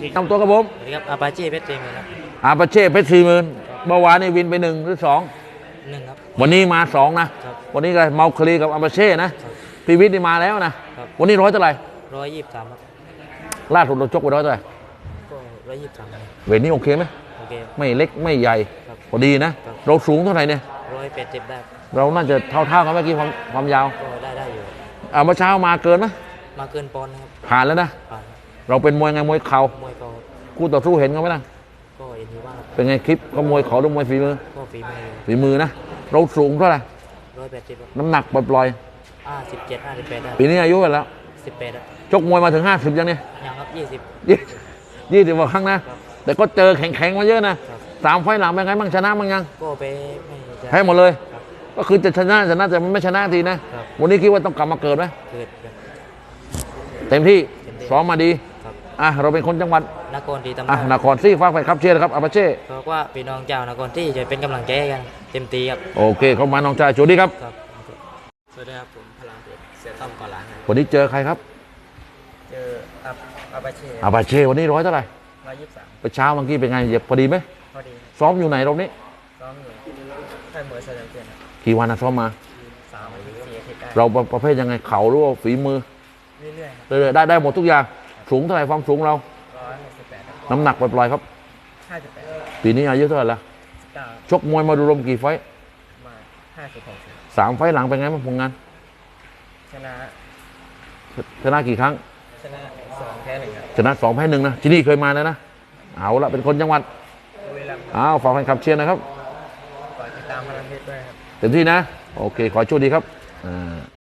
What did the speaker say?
ทำตัวกับผมสวัสดีครับอาปาเช่เพชรเจมส์ครับอาปาเช่เพชร40,000เมื่อวานนี่วินไป1 หรือ 2 1ครับวันนี้มา2นะครับ วันนี้ก็เมาคลีกับอาปาเช่นะครับ พีวิทย์นี่มาแล้วนะครับ วันนี้ร้อยเท่าไหร่ 123ครับล่าสุดเราชกไปร้อยเท่าไหร่ก็123ครับเวทนี้โอเคไหมโอเคไม่เล็กไม่ใหญ่ครับพอดีนะครับเราสูงเท่าไหร่เนี่ย 180ได้เราน่าจะเท่ากันเมื่อกี้ความยาวก็ได้อยู่เมื่อเช้ามาเกินไหมมาเกินปอนด์นะครับผ่านแล้วนะผ่านเราเป็นมวยไงมวยเข่ามวยก็คู่ต่อสู้เห็นกันไหมล่ะก็เอ็นทีว่าเป็นไงคลิปก็มวยเข่าหรือมวยฝีมือก็ฝีมือฝีมือนะเราสูงเท่าไหร่ 180ครับน้ำหนักปล่อย 57 58ได้ๆปีนี้อายุกันแล้ว 18ครับชกมวยมาถึง50ยังเนี่ยยังครับ 20กว่าครั้งนะ แต่ก็เจอแข็งๆมาเยอะนะครับ 3 ไฟล์หลังเป็นไงบ้างชนะบ้างยังก็ไปไม่จะแพ้หมดเลยครับก็คือจะชนะแต่มันไม่ชนะทีนะครับ วันนี้คิดว่าต้องกลับมาเกิดไหมเกิดครับเต็มที่เต็มที่ซ้อมมาดีครับเราเป็นคนจังหวัดนครศรีธรรมราชนครซี่ฟ้ากไปครับเชียร์นะครับอาปาเช่บอกว่าพี่น้องเจ้านครที่จะเป็นกำลังใจให้กันเต็มที่ครับโอเคเข้ามาน้องชายโชคดีครับครับสวัสดีครับผมพลังเพชรเสียต้อมก่อนหลังครับวันนี้เจอใครครับเจออาบาเช่อาปาเช่วันนี้ร้อยเท่าไหร่ 123 ไปเช้าเมื่อกี้เป็นไงเหยียบพอดีไหมพอดีซ้อมอยู่ไหนรอบนี้ซ้อมอยู่ค่ายมวยสยามเกียรติกี่วันนะซ้อมมา 3-4 อาทิตย์ได้เราประเภทยังไงเข่าหรือว่าฝีมือเรื่อยๆครับเรื่อยๆได้หมดทุกอย่างสูงเท่าไหร่ความสูงเรา 168 น้ำหนักปล่อยๆครับ 58 ปีนี้อายุเท่าไหร่ละ 19 ชกมวยมาดูรวมกี่ไฟต์มา56 3 ไฟต์หลังเป็นไงบ้างผลงานชนะชนะกี่ครั้งชนะ2แพ้1ครับชนะ2 แพ้ 1นะที่นี่เคยมาแล้วนะเอาละเป็นคนจังหวัดบุรีรัมย์ฝากแฟนคลับเชียร์นะครับฝากติดตามพลังเพชรด้วยครับเต็มที่นะโอเคขอให้โชคดีครับ